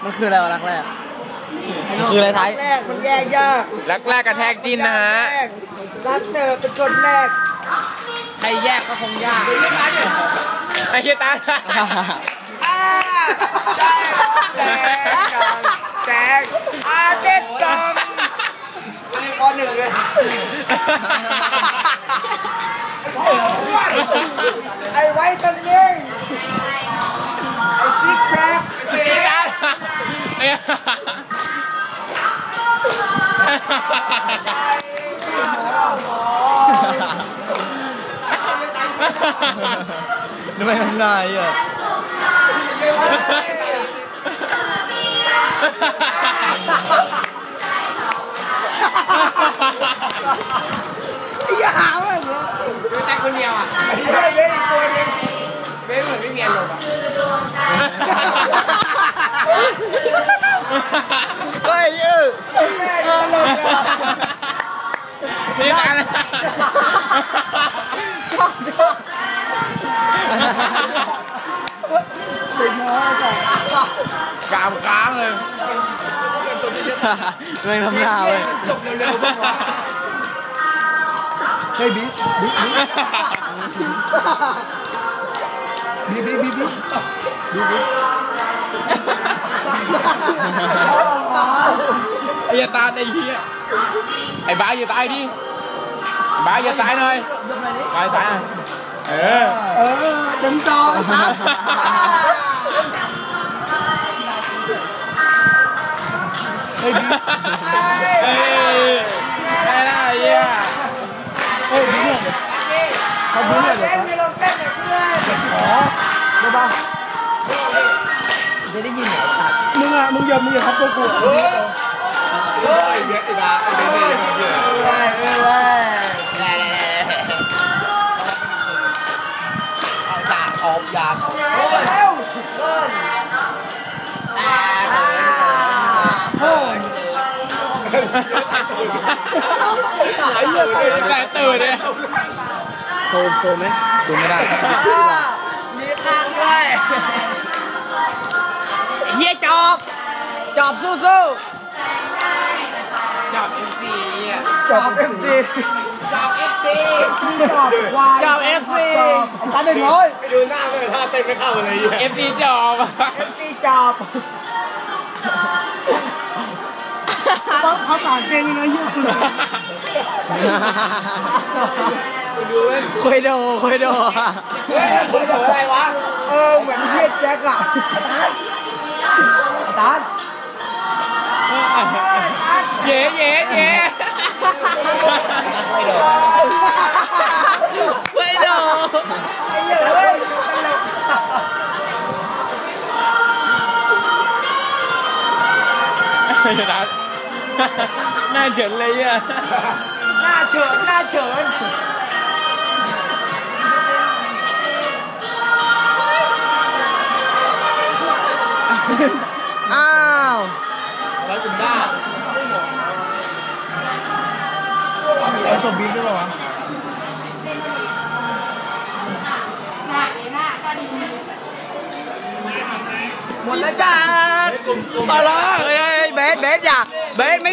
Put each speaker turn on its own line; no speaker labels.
มันคืออะไรวะรักแรกมันคืออะไรไทย
แรกมันแยกยาก
รักแรกกระแทกจิ้นนะฮะ
รักเธอเป็นคนแรก
ใครแยกก็คงยาก
ไอ้เหี้ยตา
แจกเด็ดจังข้อหนึ่งเลยไอ้ไว้ตันเองไอ้ซิกแพค
ไอ้ตา
ทำไมทำได้อ่ะ
อย่าหาว่าอย่างเงี้ย
ดูแต่คนเดียวอ่ะ
ไอ้เบ้อีกตัวนึง
เบ้เหมือนไม่มีอารมณ์อ่ะ
เฮ้ย
แม่ดูตลกอ่ะ
นี่กันกามค้างเลย
ไม่ทำหน้าเว้ย
จบเร็วๆบ้างวะเฮ้ยบิ๊ก
ไอ้ยาตาไอ้เหี้ยไอ้บ้าอย่าตายดิบ้าอย่าตายหน่อยบ้าตาย
เต็มจอ
เฮ้ยได้ได้เหี้ย
เฮ้ยบิ๊กเขาบิ๊กเลยเหรอไม่ลงเต้นเลยเพื่อนได้ป่ะจะได้ยินเหรอสัตว์มึงอย่าทับตัวกูเฮ้ยเบียร์ติดาเบียร์เอายาเร็ว
แต่ตื่นเลย
โซมไหมโซมไม่ได้
มีตังด้วย
เฮียจอบสู้
จอบ MC อ่ะ
จอบ FC
จอบ FC
จอบ FC 1,100
ไปดูหน้าไม่ท่าเต้นไม่เข้าเลย
FC จอบ
FC จอบเขาต่างเก่งนะยุ่ง
คุยโด
อะไรวะเหมือนเฮียแจ็คอะตาน
เย่
คุยโด
ไอ้เหี้ยเฮ้ย
ตลกหน้าเฉินเลยอ่ะ
หน้าเฉิน
อ้าว
แล้วคุณบ้า
เอาตัวบิ๊กด้วยวะ
หมดแล้วจ้ามาแล้วเบสอย่าเบสไม่